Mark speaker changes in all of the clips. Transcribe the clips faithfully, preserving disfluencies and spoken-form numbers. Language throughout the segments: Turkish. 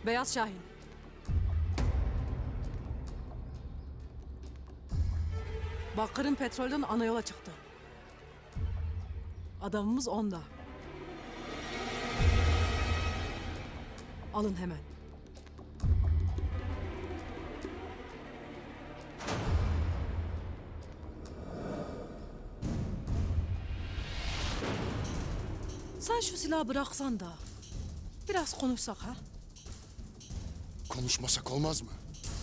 Speaker 1: Beyaz Şahin. Bakır'ın petrolden ana yola çıktı. Adamımız onda. Alın hemen. Sen şu silahı bıraksan da biraz konuşsak ha?
Speaker 2: Konuşmasak olmaz mı?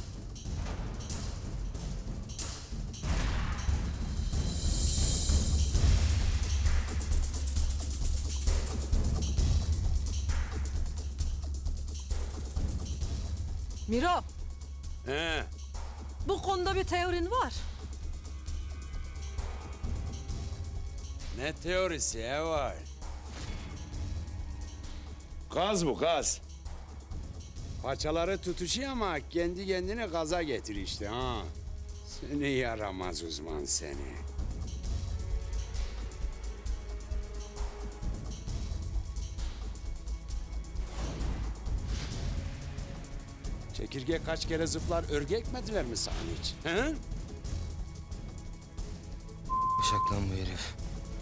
Speaker 1: Miro,
Speaker 3: He,
Speaker 1: bu konuda bir teorin var.
Speaker 3: ne teorisi ya var? Gaz bu gaz. Paçaları tutuşuyor ama kendi kendine gaza getir işte ha. Seni yaramaz uzman seni. Çekirge kaç kere zıplar örgü ekmediler mi sana hiç? He?
Speaker 4: Bıçak lan bu herif.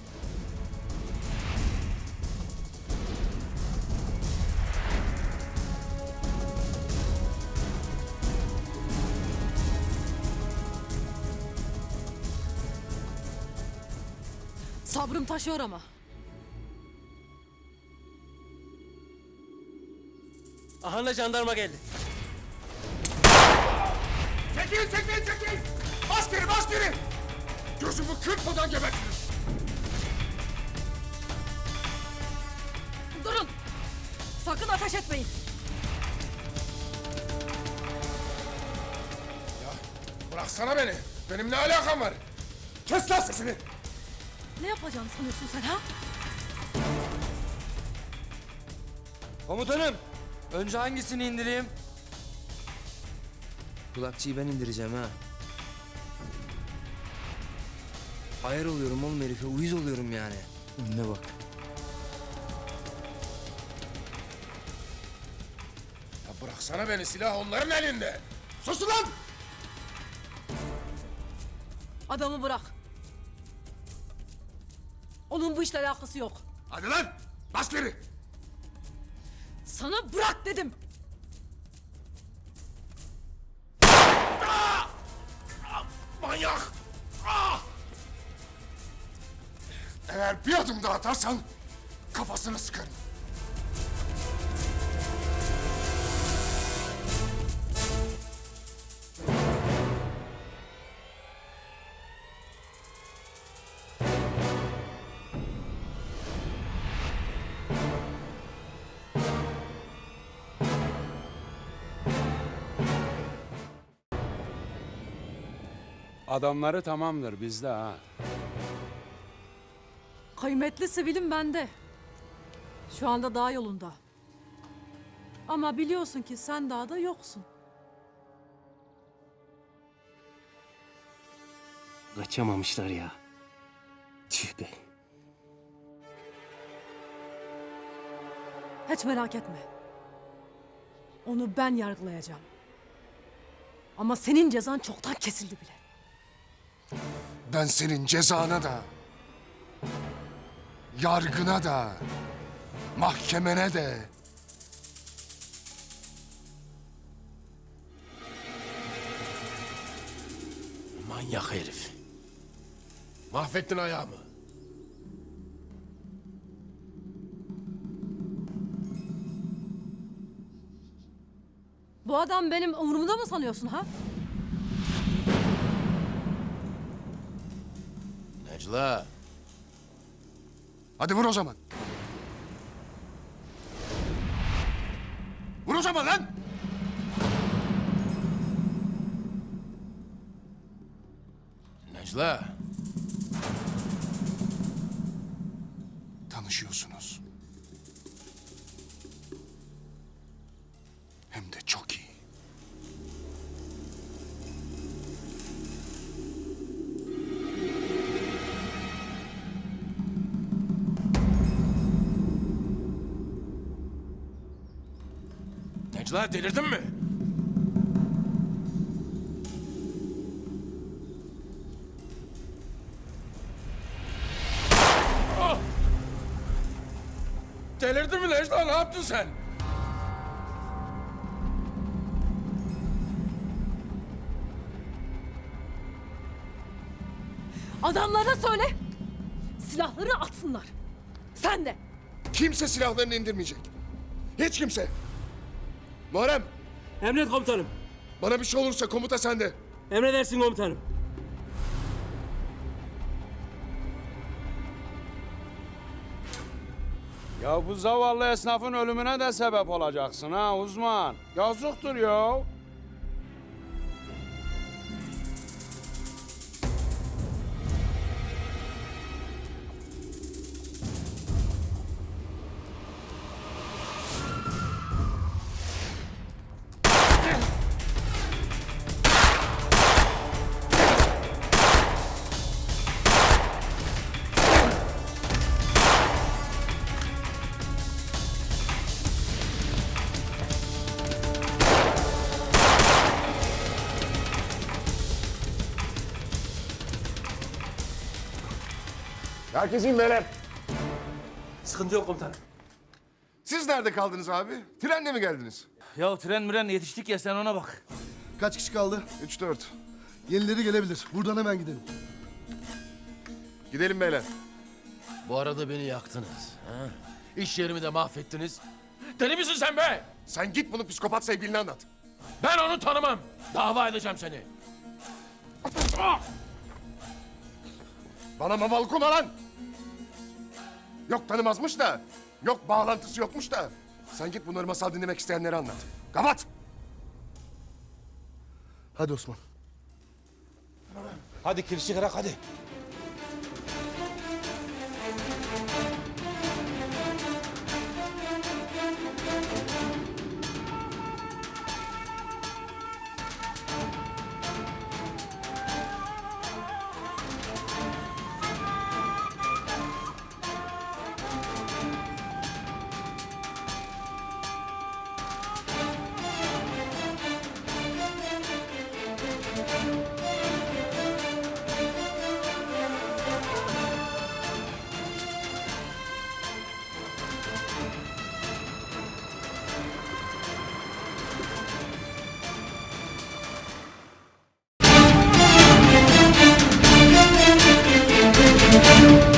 Speaker 1: Sabrım taşıyor ama.
Speaker 4: Ahanda jandarma geldi.
Speaker 2: Çekil, çekil, çekil! Bas geri, bas geri! Gözümü kırpmadan gebertiriz.
Speaker 1: Durun! Sakın ateş etmeyin.
Speaker 2: Ya bıraksana beni. Benim ne alakam var? Kes lan sesini!
Speaker 1: Ne yapacağını sanıyorsun sen ha?
Speaker 4: Komutanım, önce hangisini indireyim? Kulakçıyı ben indireceğim ha. Hayır oluyorum oğlum herife, uyuz oluyorum yani. Önüne bak.
Speaker 2: Ya bıraksana beni, silah onların elinde. Sus lan!
Speaker 1: Adamı bırak. Onun bu işle alakası yok.
Speaker 2: Hadi lan! Bas geri!
Speaker 1: Sana bırak dedim.
Speaker 2: Manyak! Ah! Eğer bir adım daha atarsan kafasını sıkarım.
Speaker 3: Adamları tamamdır bizde ha.
Speaker 1: Kıymetli sivilim bende. Şu anda dağ yolunda. Ama biliyorsun ki sen dağda yoksun.
Speaker 4: Kaçamamışlar ya. Tüh be.
Speaker 1: Hiç merak etme. Onu ben yargılayacağım. Ama senin cezan çoktan kesildi bile.
Speaker 2: Ben senin cezana da, yargına da, mahkemene de,
Speaker 5: Manyak herif. Mahvettin ayağımı.
Speaker 1: Bu adam benim umurumda mı sanıyorsun ha?
Speaker 5: Necla.
Speaker 2: hadi vur o zaman. Vur o zaman lan!
Speaker 5: Necla.
Speaker 2: Tanışıyorsunuz. Hem de çok iyi.
Speaker 5: Necla delirdin mi? Ah! Delirdin mi Necla? Ne yaptın sen?
Speaker 1: Adamlara söyle. Silahları atsınlar. Sen de.
Speaker 2: Kimse silahlarını indirmeyecek. Hiç kimse. Muharrem,
Speaker 6: Emret komutanım.
Speaker 2: bana bir şey olursa komuta sende.
Speaker 6: Emredersin komutanım.
Speaker 3: Ya bu zavallı esnafın ölümüne de sebep olacaksın ha uzman. Yazıktır ya.
Speaker 2: Herkes in beyler.
Speaker 6: Sıkıntı yok komutanım.
Speaker 2: Siz nerede kaldınız abi? Trenle mi geldiniz?
Speaker 6: Ya tren miren yetiştik ya sen ona bak.
Speaker 7: Kaç kişi kaldı?
Speaker 2: Üç dört.
Speaker 7: Yenileri gelebilir. Buradan hemen gidelim.
Speaker 2: Gidelim beyler.
Speaker 5: Bu arada beni yaktınız. Ha? İş yerimi de mahvettiniz. Deli misin sen be?
Speaker 2: Sen git bunu psikopat sevgiline anlat.
Speaker 5: Ben onu tanımam. Dava edeceğim seni.
Speaker 2: Bana maval kuma lan! Yok tanımazmış da, yok bağlantısı yokmuş da. Sen git bunları masal dinlemek isteyenlere anlat. Kapat!
Speaker 7: Hadi Osman.
Speaker 6: Hadi kirişi kırak hadi.
Speaker 8: Thank you.